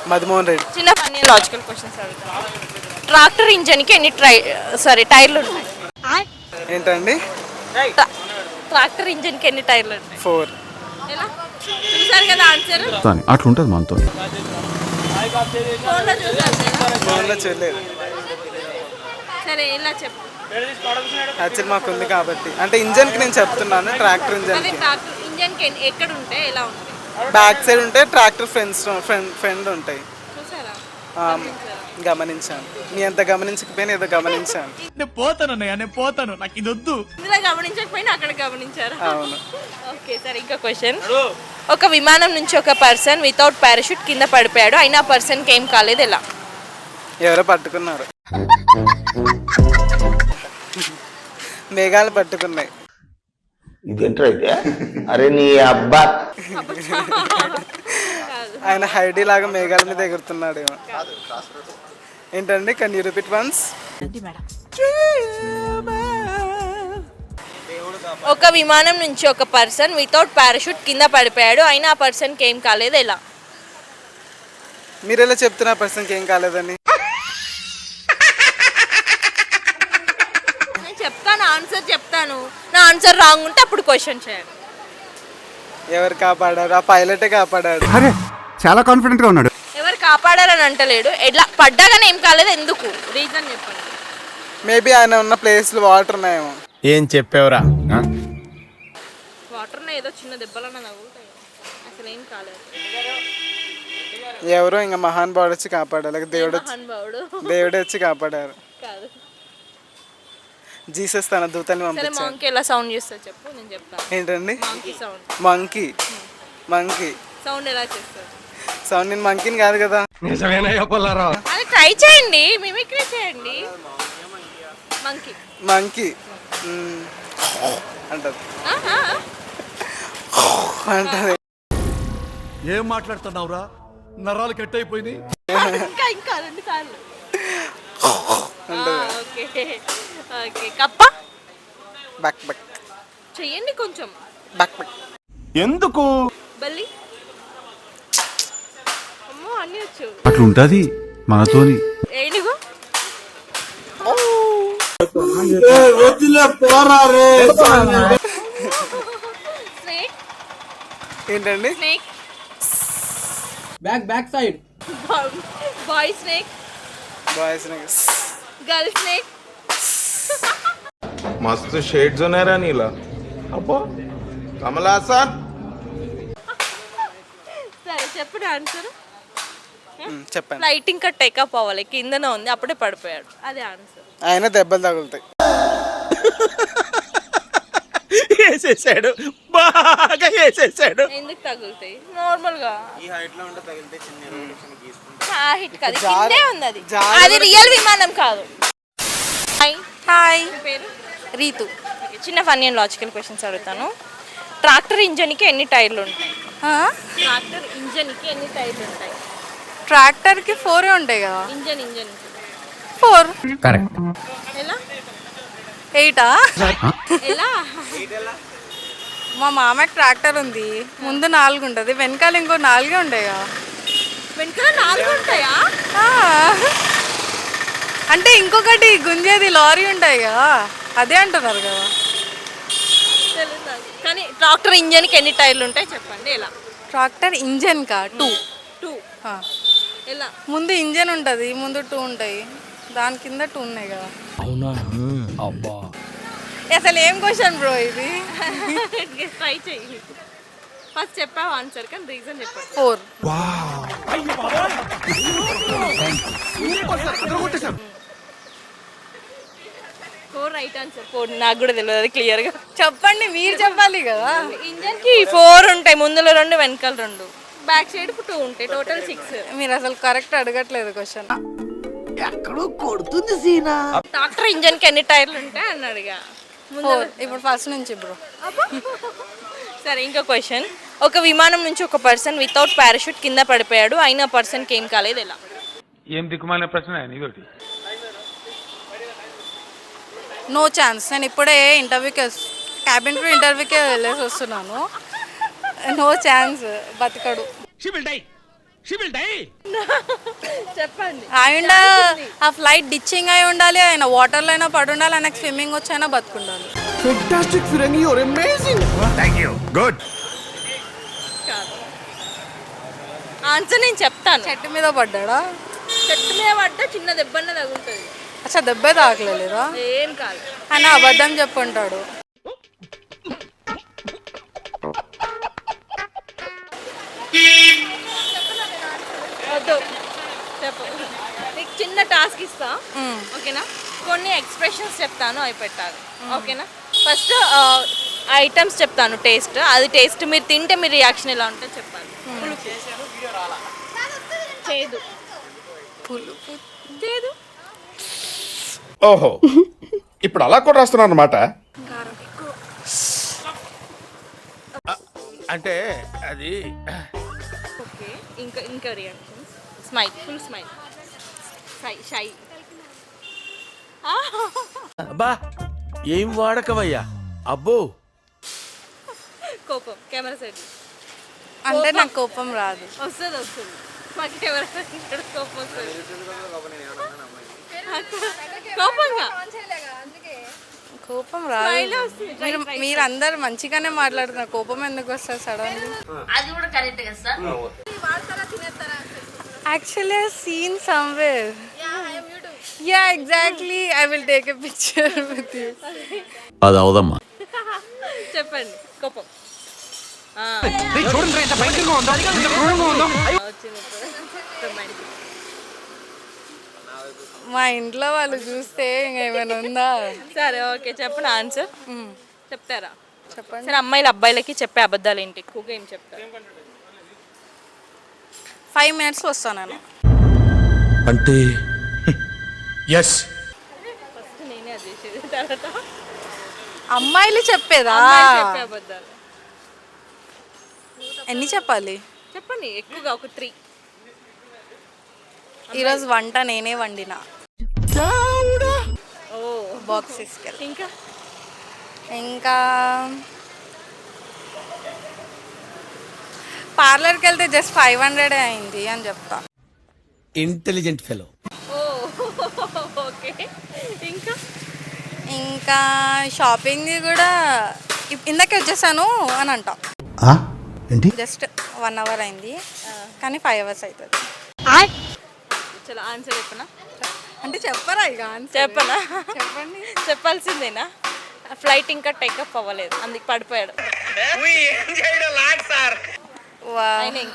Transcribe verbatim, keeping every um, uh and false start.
మధుమోహన్ రెడ్డి. చిన్న funny logical questions అడుగుతాను. Tractor ఇంజన్కి ఎన్ని ట్రై సారీ టైర్లు ఉంటాయి? ఏంటండి? ట్రాక్టర్ ఇంజన్కి ఎన్ని టైర్లు ఉంటాయి? ఫోర్. ఎలా చూసారు కదా ఆన్సర్? అట్లుంటది మనతో. ఫోన్లో చూసారు కదా? ఫోన్లో చూడలేదు. సరే ఇలా చెప్పు. యాక్చువల్ మాకు ఉంది కాబట్టి అంటే ఇంజన్కి నేను చెప్తున్నాను. ట్రాక్టర్ అదే ఇంజన్కి ట్రాక్టర్ ఇంజన్కి ఎక్కడ ఉంటాయి, ఎలా ఉంటాయి? బ్యాక్ సైడ్ ఉంటే ట్రాక్టర్ ఫ్రెండ్స్ ఫ్రెండ్ ఫ్రెండ్ ఉంటాయి. చూసారా? ఆ, గమనించాను. నీ ఎంత గమనించకపోయినా ఏదో గమనించాను. నేను పోతాను నేను పోతాను నాకు ఇది వద్దు. ఇందులో గమనించకపోయినా అక్కడ గమనించారా? అవును. ఓకే సరే ఇంకో క్వశ్చన్. ఒక విమానం నుంచి ఒక పర్సన్ వితౌట్ పారాషూట్ కింద పడిపోయాడు, అయినా పర్సన్కి ఏం కాలేదు, ఎలా? ఎవరో పట్టుకున్నారు. మేఘాలు పట్టుకున్నాయి. ఇదేంట్రా అయితే? అరే నీ అబ్బా. ఆయన హైడీ లాగా మేఘాల మీద ఎగురుతున్నాడు ఏమో. ఏంటండి? Can you repeat once? ఒక విమానం నుంచి ఒక పర్సన్ వితౌట్ పారాషూట్ కింద పడిపోయాడు, అయినా ఆ పర్సన్కి ఏం కాలేదు, ఎలా? మీరు ఎలా చెప్తున్నా పర్సన్కి ఏం కాలేదని? నేను చెప్తాను, ఆన్సర్ చెప్తాను. నా ఆన్సర్ రాంగ్ ఉంటే అప్పుడు క్వశ్చన్ చేయాలి. ఎవరు కాపాడారు? ఆ పైలటే కాపాడాడు. అరే చాలా కాన్ఫిడెంట్ గా ఉన్నాడు. ఎవరు కాపాడారని అంటలేడు, ఎట్లా పడ్డాగానే ఏం కాలేదు, ఎందుకు? రీజన్ చెప్పండి. మేబీ ఆయన ఉన్న ప్లేస్లో వాటర్ ఉన్నాయేమో. ఏం చెప్పావురా? వాటర్ ఏదో చిన్న దెబ్బలన్నా తగులుతాయి, అసలు ఏం కాలేదు. ఎవరో ఇంకా మహాన్ బాడు వచ్చి కాపాడారు, లేక దేవుడు వచ్చి మహానుభావుడు దేవుడే వచ్చి కాపాడారు. కాదు. జీసస్ తన దూతని సరే పంపించారు. మంకీ ఎలా సౌండ్ చేస్తా చెప్పు, నేను చెప్తాను. ఏంటండి? Monkey sound. Monkey. Monkey sound ఎలా చేస్తారు? సౌండ్ నేను మంకీని కాదు కదా. అది ట్రై చేయండి, మిమిక్రీ చేయండి. మంకీ మంకీ అంటది అంటది. ఏం మాట్లాడుతున్నావురా? నరాలు కట్ అయిపోయింది. ఇంకా ఇంకా రెండు సార్లు. అంటది. Okay okay. కప్ప బక్ బక్ చెయ్యండి కొంచెం. బక్ బక్. ఎందుకు? బల్లి. అమ్మో అన్నీ వచ్చు. అట్లుంటది మనతోని. ఏనుగు. స్నేక్. ఏంటండి? Snake. Back back side. Boy snake. Boys girl snake. మస్తు షేడ్స్ ఉన్నాయరా నీలా. అబ్బా కమలాసన్. సరే చెప్పండి ఆన్సర్. చెప్పండి. ఫ్లైట్ ఇంకా టేకప్ అవ్వాలి, కిందనే ఉంది, అప్పుడే పడిపోయాడు, అదే ఆన్సర్. ఆయన దెబ్బలు తగులుతాయి. వేసేసాడు, బాగా వేసేసాడు. ఎందుకు తగులుతాయి? నార్మల్ గా ఈ హైట్ లో ఉంటే తగిలితే చిన్న ఆ హిట్ కాదు, కిందే ఉంది అది. జారు- అది రియల్ విమానం కాదు. హాయ్ హాయ్, మీ పేరు? రీతు. ఓకే, చిన్న ఫన్నీ అండ్ లాజికల్ క్వశ్చన్స్ అడుగుతాను. ట్రాక్టర్ ఇంజన్కి ఎన్ని టైర్లు ఉంటాయి? ట్రాక్టర్ ఇంజన్కి ఎన్ని టైర్లు ఉంటాయి? ట్రాక్టర్కి ఫోరే ఉంటాయి కదా. Engine engine four. కరెక్ట్. ఎలా ఎయిటా? ఎలా? మా మామకి ట్రాక్టర్ ఉంది, ముందు నాలుగు ఉంటుంది, వెనకాల ఇంకో నాలుగే ఉంటాయి కదా. వెనకాల నాలుగు ఉంటాయా? ఆ. అంటే ఇంకొకటి గుంజేది లారీ ఉంటాయి కదా, అదే అంటున్నారు కదా. తెలియదు నాకు. కానీ ట్రాక్టర్ ఇంజన్కి ఎన్ని టైర్లు ఉంటాయి చెప్పండి, ఎలా? ట్రాక్టర్ ఇంజన్ కా టూ. టూ. ఎలా? ముందు ఇంజన్ ఉంటుంది, ముందు టూ ఉంటాయి, దాని కింద టూ ఉన్నాయి కదా. అవునా? అబ్బా అసలు ఏం క్వశ్చన్ బ్రో ఇది? ట్రై చెయ్యి. ఫస్ట్ చెప్పావు ఆన్సర్, కానీ రీజన్ చెప్పండి. Four. Four right answer. Four నాకు కూడా తెలియదు, అది క్లియర్గా చెప్పండి, మీరు చెప్పాలి కదా. ఇంజన్కి ఫోర్ ఉంటాయి, ముందులో రెండు వెనకాల రెండు, బ్యాక్ సైడ్ టూ ఉంటాయి, టోటల్ సిక్స్. మీరు అసలు కరెక్ట్ అడగట్లేదు క్వశ్చన్. ఎక్కడో కొడుతుంది సీనా. ట్రాక్టర్ ఇంజన్కి ఎన్ని టైర్లు ఉంటాయి అన్నాడుగా. ఫోర్. ఇప్పుడు ఫస్ట్ నుంచి బ్రో. సరే ఇంకో క్వశ్చన్. ఒక విమానం నుంచి ఒక పర్సన్ వితౌట్ పారాషూట్ కింద పడిపోయాడు, అయినా పర్సన్కి ఏం కాలేదు, ఎలా? ఏం దిక్కుమాలిన ప్రశ్న ఇదొకటి. No chance. నేను ఇప్పుడే ఇంటర్వ్యూకి క్యాబిన్ క్రూ ఇంటర్వ్యూకి వెళ్ళేసి వస్తున్నాను. నో ఛాన్స్, బతకడు. చెప్పండి. ఆయన ఆ ఫ్లైట్ డిచ్చింగ్ అయి ఉండాలి, ఆయన వాటర్లో అయినా పడి ఉండాలి, ఆయనకు స్విమ్మింగ్ వచ్చైనా బతుకుండాలి. ఫెంటాస్టిక్ ఫిరంగి యువర్ అమేజింగ్. గుడ్. ఆన్సర్ నేను చెప్తాను. చెట్టు మీద పడ్డాడా? చెట్టు మీద పడ్డా చిన్న దెబ్బన్న తగులుతుంది. అచ్చా దెబ్బే తాకలేదా? ఏం కాదు. ఆయన అబద్ధం చెప్పుంటాడు. వద్దు చెప్పు. నీకు చిన్న టాస్క్ ఇస్తా, ఓకేనా? కొన్ని ఎక్స్ప్రెషన్స్ చెప్తాను, అవి పెట్టాలి, ఓకేనా? ఫస్ట్ ఐటమ్స్ చెప్తాను, టేస్ట్. అది టేస్ట్ మీరు తింటే మీ రియాక్షన్ ఎలా ఉంటుందో చెప్పాలి. పులుపు, చేదు, పులుపు, చేదు, ఓహో, ఇప్పుడు అలా కూడా రాస్తున్నాను అనమాట. అంటే అది ఓకే. ఇంకా ఇంకా reaction smile, full smile, shy shy. అబ్బా ఏం వాడకవయ్యా అబ్బో. కోపం, కెమెరా సైడ్ అంటే నాకు కోపం రాదు. వస్తుంది వస్తుంది మాకు కెమెరా ఇక్కడ కోపం వస్తుంది. కోపంగా కోపం రాదు. స్మైల్ వస్తుంది. మీరు మీరు అందరు మంచిగానే మాట్లాడుతున్నారు, కోపం ఎందుకు వస్తుంది sudden? Actually I seen somewhere. Yeah exactly, I will take a picture with you. అది అవదమ్మా. చెప్పండి. కోపం మా ఇంట్లో వాళ్ళు చూస్తే ఇంకా ఏమైనా ఉందా? సరే ఓకే, చెప్పండి ఆన్సర్. చెప్తారా? చెప్పండి. సరే, అమ్మాయిలు అబ్బాయిలకి చెప్పే అబద్ధాలు ఏంటి ఎక్కువగా ఏం చెప్తారు? ఫైవ్ మినిట్స్లో వస్తాను నేను. అంటే ఎస్ ఫస్ట్ నేనే అది చేసేది, తర్వాత అమ్మాయిలు చెప్పేదా? అమ్మాయిలు చెప్పే అబద్ధాలు ఎన్ని చెప్పాలి? చెప్పండి, ఎక్కువగా ఒక త్రీ. ఈరోజు వంట నేనే వండిన. ఓ బాక్స్ తీసుకెళ్ళి. ఇంకా ఇంకా పార్లర్కి వెళ్తే జస్ట్ ఫైవ్ హండ్రెడ్ అయింది అని చెప్తా. Intelligent fellow. ఓ ఓకే. ఇంకా ఇంకా షాపింగ్ కూడా ఇప్- ఇందాకే వచ్చేసాను అని అంటా. ఏంటి? జస్ట్ వన్ అవర్ అయింది కానీ ఫైవ్ అవర్స్ అవుతుంది. చలో ఆన్సర్ చెప్పనా? అంటే చెప్పరా ఇక ఆన్సర్? చెప్పనా? చెప్పండి. చెప్పాల్సిందేనా? ఫ్లైట్ ఇంకా టేకప్ అవ్వలేదు, అందుకు పడిపోయాడు. వా ఆయన